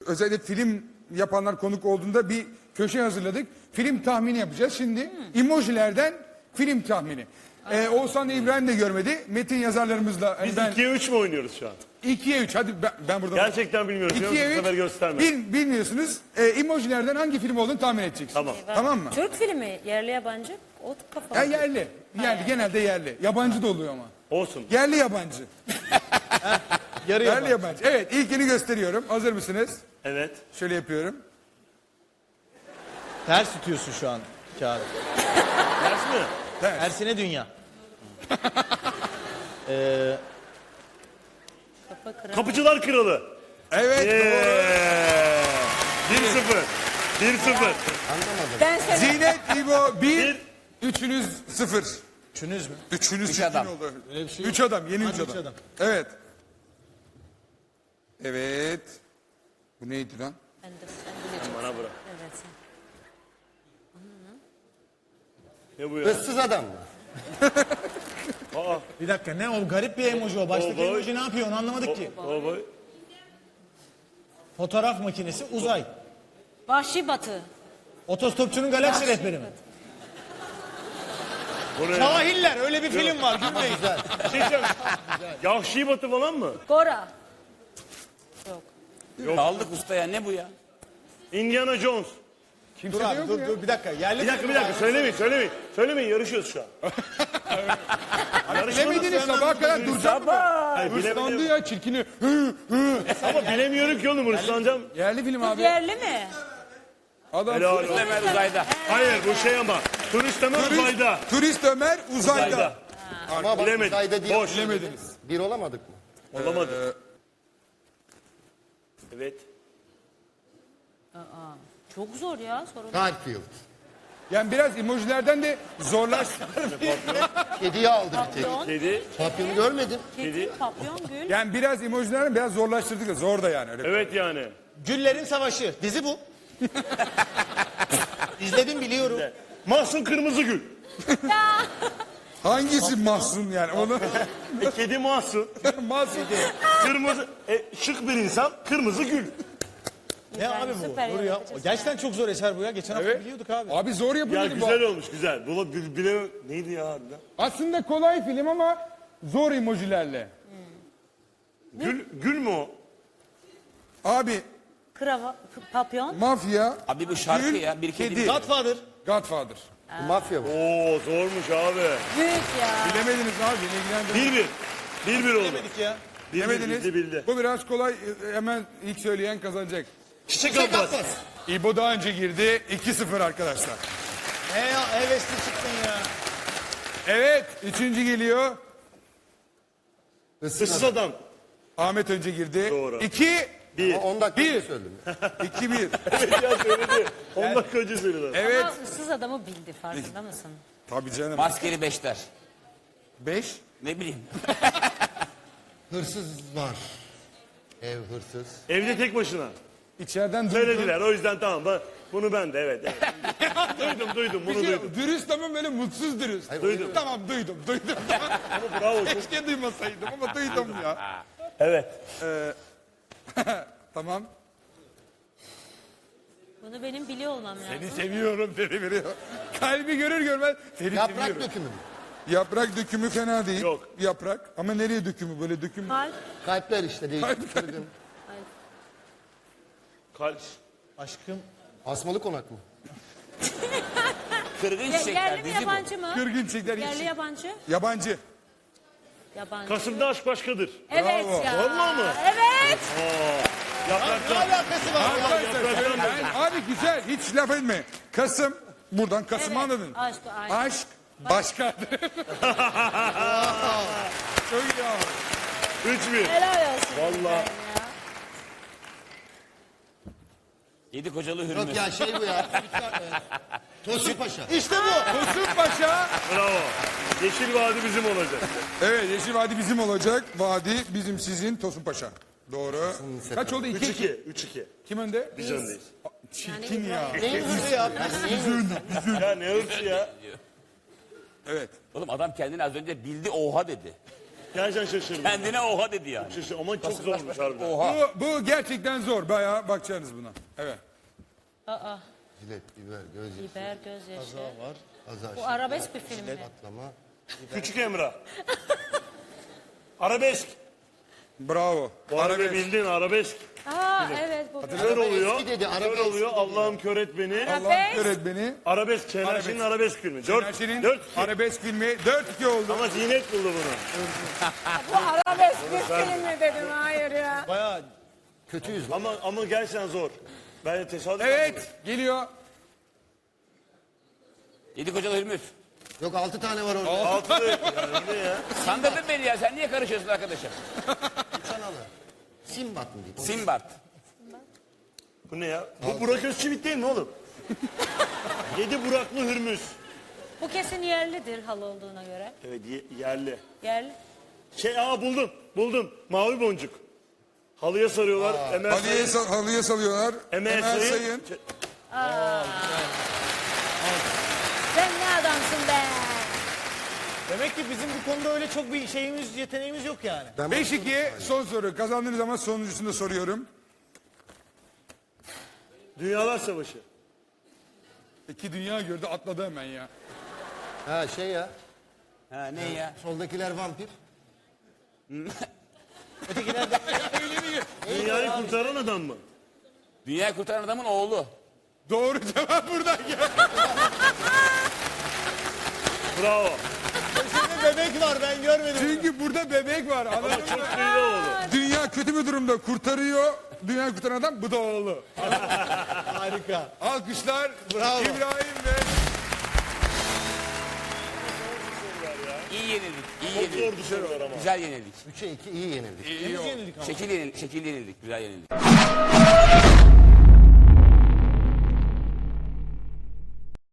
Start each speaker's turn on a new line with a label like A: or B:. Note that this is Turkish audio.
A: özellikle film yapanlar konuk olduğunda bir köşe hazırladık. Film tahmini yapacağız. Şimdi emojilerden film tahmini. Oğuzhan da İbrahim de görmedi. Metin yazarlarımızla.
B: Biz 2'ye 3 mü oynuyoruz şu an?
A: 2'ye 3. Hadi ben burada.
B: Gerçekten bilmiyorum.
A: 2'ye
B: Bu sefer gösterme.
A: Bilmiyorsunuz. Emojilerden hangi film olduğunu tahmin edeceksiniz.
B: Tamam.
A: Tamam mı?
C: Türk filmi, yerli yabancı, o kafa.
A: Ya yerli. Yerli. Genelde yerli. Yabancı da oluyor ama.
B: Olsun.
A: Yerli yabancı.
D: Yarı
A: Yerli
D: yabancı.
A: yabancı. Evet, ilkini gösteriyorum. Hazır mısınız?
B: Evet.
A: Şöyle yapıyorum.
D: Ters tutuyorsun şu an kağıdı.
B: Ters mi?
D: Tersine dünya.
C: Kafa kıran.
B: Kapıcılar Kralı.
A: Evet. Doğru.
B: 1-0. 1-0.
C: Ben sana
A: Zinet, İbo 1. Üçünüz 0.
D: Üçünüz mü?
A: Üçünüz
E: Üç
A: çirkin
E: adam.
A: oldu.
D: Öyle bir şey yok.
A: 3 adam. Yeni
D: Hadi
A: 3
D: üç
A: adam.
D: adam.
A: Evet. Evet. Bu neydi lan?
C: ben de sen bileceksin.
B: Bana bırak.
C: Evet. sen.
B: Ne bu ya?
E: Hırsız adam mı?
B: Aa.
D: Bir dakika ne o garip bir emoji o. Baştaki
B: Oy.
D: emoji ne yapıyor onu anlamadık ki.
B: Baba.
D: Fotoğraf makinesi uzay.
C: Vahşi Batı.
D: Otostopçunun galaksi rehberi mi?
B: Bu ne?
D: Cahiller öyle bir film var gülmeyin.
B: Bir şey söyleyeyim. Yahşi Batı falan mı?
C: Gora. Yok.
E: Kaldık ustaya, ne bu ya?
B: Indiana Jones.
A: Kimse
D: Dur
A: de
D: abi
A: yok
D: dur
A: mu ya?
D: dur bir dakika. Yerli
B: Bir dakika
D: film
B: bir dakika
D: var.
B: söylemeyin. Söylemeyin yarışıyoruz şu an.
A: Bilemediniz sabaha kadar duracak mı?
B: Hayır,
A: Hırslandı
B: bilemedim.
A: ya çirkini.
B: Ama bilemiyorum ki oğlum hırslanacağım.
A: Yerli film abi.
C: Yerli mi?
A: Adam
B: Helal olsun.
E: Ömer uzayda.
B: Hayır bu şey ama. Turist ama uzayda.
A: Turist Ömer uzayda.
B: Uzayda.
E: Ama bak
B: Bilemedim.
E: uzayda değil.
B: Boş.
A: Bilemediniz.
E: Bir olamadık mı?
B: Olamadı. Evet.
C: Çok zor ya sorun.
E: Garfield.
A: Yani biraz emojilerden de zorlaştı.
E: Kediyi aldı bir tek.
C: Papyon,
B: Kedi.
E: Papyonu görmedim.
C: kedi, papyon, gül.
A: Yani biraz emojilerden biraz zorlaştırdık da zor da yani. Öyle.
B: Evet yani.
D: Güllerin Savaşı. Dizi bu. İzledim biliyorum.
B: Mahsun Kırmızıgül.
A: Hangisi Mahsun yani onu
B: Kedi Mahsun.
A: Mahsun.
B: Kırmızı. Şık bir insan. Kırmızı gül.
D: Ne abi bu?
C: süper
D: Dur ya.
C: yapacağız.
D: Gerçekten çok zor eser bu ya. Geçen hafta
A: Evet.
D: biliyorduk abi.
A: Abi zor yapın
B: Ya
A: dedim bu.
B: güzel olmuş güzel. Bunu bile neydi ya harbiden?
A: Aslında kolay film ama zor emojilerle.
B: Gül mü o?
A: Abi
C: Krava, papyon.
A: mafya,
E: Abi bu şarkı
A: gül,
E: ya. Bir kedi.
A: kedi.
D: Godfather.
A: Godfather.
E: Bu mafya bu.
B: Oo zormuş abi.
C: Büyük ya.
A: Bilemediniz abi beni ilgilendirmez.
B: 1-1. 1-1 oldu.
D: Dedik ya.
A: Bilemediniz.
B: Bildi.
A: Bu biraz kolay hemen ilk söyleyen kazanacak.
B: Çiçek Abbas.
A: İbo daha önce girdi. 2-0 arkadaşlar.
D: Ne ya hevesli çıktın ya.
A: Evet. Üçüncü geliyor.
B: Hırsız adam.
A: Ahmet önce girdi.
B: Doğru.
A: 2
B: 1.
E: Ama 10 dakika
A: Bir.
E: önce söyledim.
A: 2-1.
B: Evet ya söyledi. 10 dakika önce söyledi.
A: Evet.
C: Ama ıssız adamı bildi farkında mısın?
A: Tabii canım.
E: Maskeli beşler.
A: 5.
E: Ne bileyim. Hırsız var. Ev hırsız.
B: Evde tek başına.
A: İçeriden duydum.
B: Söylediler o yüzden tamam. Bunu ben de evet. duydum bunu duydum.
A: Dürüst ama böyle mutsuz dürüst.
B: Duydum.
A: Tamam duydum.
B: Ama bravo. çok-
A: Keşke duymasaydım ama duydum ya.
B: Evet.
A: Tamam.
C: Bunu benim biliyor olmam lazım.
A: Seni seviyorum seni veriyor. Kalbi görür görmez seni
E: Yaprak
A: seviyorum.
E: dökümü mü?
A: Yaprak dökümü fena değil.
B: Yok.
A: Yaprak. Ama nereye dökümü böyle döküm?
C: Kalp.
E: Kalpler işte değil.
A: Kalp.
E: Kırgın.
B: Kalp.
D: Aşkım.
E: Asmalı konak mı? Kırgın
C: Yerli
E: çiçekler.
C: mi
E: Dizi bu.
C: yabancı mı?
A: Kırgın çiçekler.
C: Yerli yabancı.
A: Yabancı.
C: Yabancı.
B: Kasım'da aşk başkadır.
C: Evet
A: Bravo.
C: ya.
B: Vallahi mı?
C: Evet.
D: Ne
B: Yapraktan.
D: alakası var ya?
A: Arkadaşlar söyleyin. Abi güzel hiç laf etme. Kasım. Buradan Kasım'ı
C: Evet.
A: anladın.
C: Aşk, aşk.
A: Aşk başkadır. Çok iyi abi.
B: 3-1.
C: Helal olsun.
B: Vallahi.
E: Yedi kocalı hürmüz.
A: şey
E: Yok ya şey bu ya. Tosun Paşa.
D: İşte bu.
A: Tosun Paşa.
B: Bravo. Yeşil Vadi bizim olacak.
A: Evet Yeşil Vadi bizim olacak. Vadi bizim sizin Tosun Paşa. Doğru. Kaç oldu? 2-2.
B: 3-2.
A: Kim önde?
B: Biz öndeyiz.
A: Çirkin ya.
D: Ne hırsı ya?
B: Ya ne hırsı ya.
A: Evet.
E: Oğlum adam kendini az önce bildi oha dedi.
B: Gerçekten şaşırdım.
F: Kendine oha dedi yani.
B: Şaşırdım ama çok zormuş harbiden.
F: Oha.
A: Bu gerçekten zor. Bayağı bakacaksınız buna. Evet.
C: Aa,
E: Jilet, biber, gözyaşı,
C: biber, gözyaşı.
D: Var.
E: azar,
C: Bu arabesk bir film mi?
E: patlama.
B: Küçük Emrah. Arabesk.
A: Bravo.
B: Bu arada
A: Arabesk.
B: bildin arabesk.
C: Aa evet bu.
B: Kör oluyor.
E: eski dedi,
B: Kör
E: arabesk
B: oluyor.
E: dedi.
B: Allah'ım kör et beni.
A: Allah öğretmeni.
B: Arabesk. Şener arabesk filmi. 4
A: Şenerşen'in
B: 4
A: arabesk filmi 4-2 oldu.
B: ama Zinet buldu bunu.
C: Bu arabesk bir film mi dedim hayır ya.
D: Bayağı
E: Kötüyüz lan.
B: Ama gerçekten zor. Ben de tesadüf
A: Evet geliyor.
F: 7 kocalı Hürmüz.
E: Yok 6 tane var orada.
B: Altılı yani ne ya?
F: Sandırdın beni ya. Sen niye karışıyorsun arkadaşım?
E: Kanalı. Simbat mı diyeyim?
F: Simbart.
B: Bu ne ya? Bu Burak Özçivit değil mi oğlum? 7 Buraklı Hürmüz.
C: Bu kesin yerlidir hal olduğuna göre.
B: Evet yerli.
C: Yerli.
B: Buldum. Mavi boncuk. Halıya sarıyorlar. Emel Sayın.
A: Halıya salıyorlar.
B: Emel Sayın.
C: Sen ne adamsın be?
D: demek ki bizim bu konuda öyle çok bir şeyimiz, yeteneğimiz yok yani.
A: 5-2 son soru. Kazandığınız zaman sonuncusunu da soruyorum.
B: Dünyalar Savaşı.
A: 2 dünya gördü atladı hemen ya.
E: Ha şey ya.
F: Ha ne ya?
E: Soldakiler vampir.
B: Dünyayı kurtaran adam mı?
F: Dünyayı kurtaran adamın oğlu.
A: Doğru cevap buradan geldi.
B: Bravo.
D: Şimdi bebek var ben görmedim.
A: Çünkü burada bebek var. Anladın mı?
B: Çok duydu oğlu.
A: Dünya kötü bir durumda kurtarıyor. Dünyayı kurtaran adam bu da oğlu.
D: Harika.
A: Alkışlar
D: Bravo.
A: İbrahim ve
F: İyi yenildik. İyi
B: Çok
F: yenildik.
B: zor sorular ama.
F: Güzel yenildik.
E: 3'e 2 iyi yenildik.
F: Şekil yenildik. Güzel yenildik.